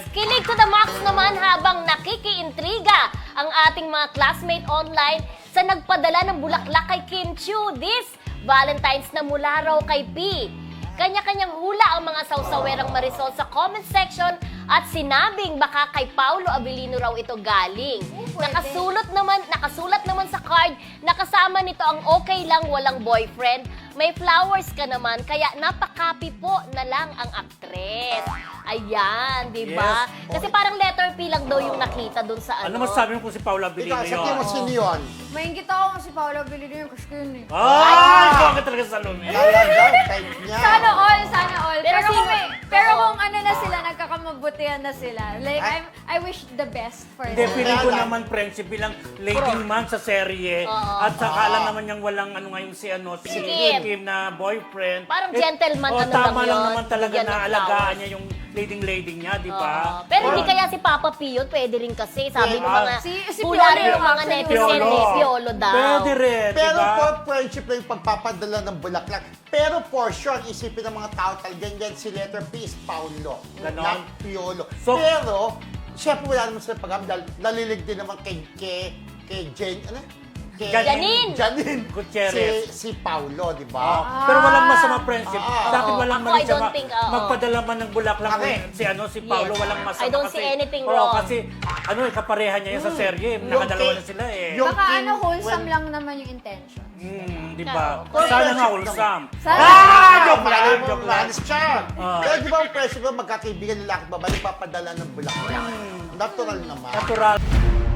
Kilig to the max naman habang nakikiintriga ang ating mga classmate online sa nagpadala ng bulaklak kay Kim Chiu this Valentine's na mula raw kay P. Kanya-kanyang hula ang mga sawsawerang Marisol sa comment section at sinabing baka kay Paulo Abilino raw ito galing. Nakasulat naman sa card na kasama nito ang okay lang walang boyfriend. May flowers ka naman kaya napakapi po na lang ang aktres. Ayan, di ba? Yes. Kasi parang letter P lang daw yung nakita dun sa Ano masabi mo kung si Paula Abilino Ikaw, sa yun? tingin mo sino yun? Maingit ako si Paolo Abilino yun kasi yun eh. Ay! Ikaw ka talaga sa salon eh. Talaga, type niya. Sana all, sana all. Pero Pero, sino- pero kung ano na sila, nagkakamabutihan na sila. Like, I wish the best for Hindi, them. feeling ko naman, friendship bilang leading man sa serye. Oo. At saka alam naman niyang walang ano ngayon si Si Kim. Kim na boyfriend. Parang gentleman, ano tama lang lang yun, naman talaga bigyan na ng alagaan flowers. niya yung leading niya, di ba? Pero hindi kaya si Papa P yun, pwede rin kasi. Sabi ng mga Si hula Piolo rin ng mga actually, netizen eh, Piolo daw. Pwede rin, di Pero ba? for friendship na yung pagpapadala ng bulaklak. Pero for sure, isipin ng mga tao talagang yan si letter P is Paulo. Ganon. Not Piolo. So- Pero, syempre wala naman sila pag dahil nalilig din naman kay Jane, ano? Kay Janine Gutierrez. Si Paulo, di ba? Pero walang masama friendship. Sa akin Oo. walang Ako, mali I don't siya think, oo. magpadala man ng bulaklak Correct. si Paulo, Yes. walang masama. I don't see anything Oo, wrong. kasi kapareha niya yan sa serye. Nakadalawa na sila eh. Yung Baka Kim, ano, wholesome when- lang naman yung intention. Di ba? Kung Sana nga friendship wholesome. Sana- Joke lang, joke lang. Malis siya. Ah. Pero di ba ang presyo ko, magkakaibigan lalaki at babae, papadala ng bulaklak. Natural naman. Natural.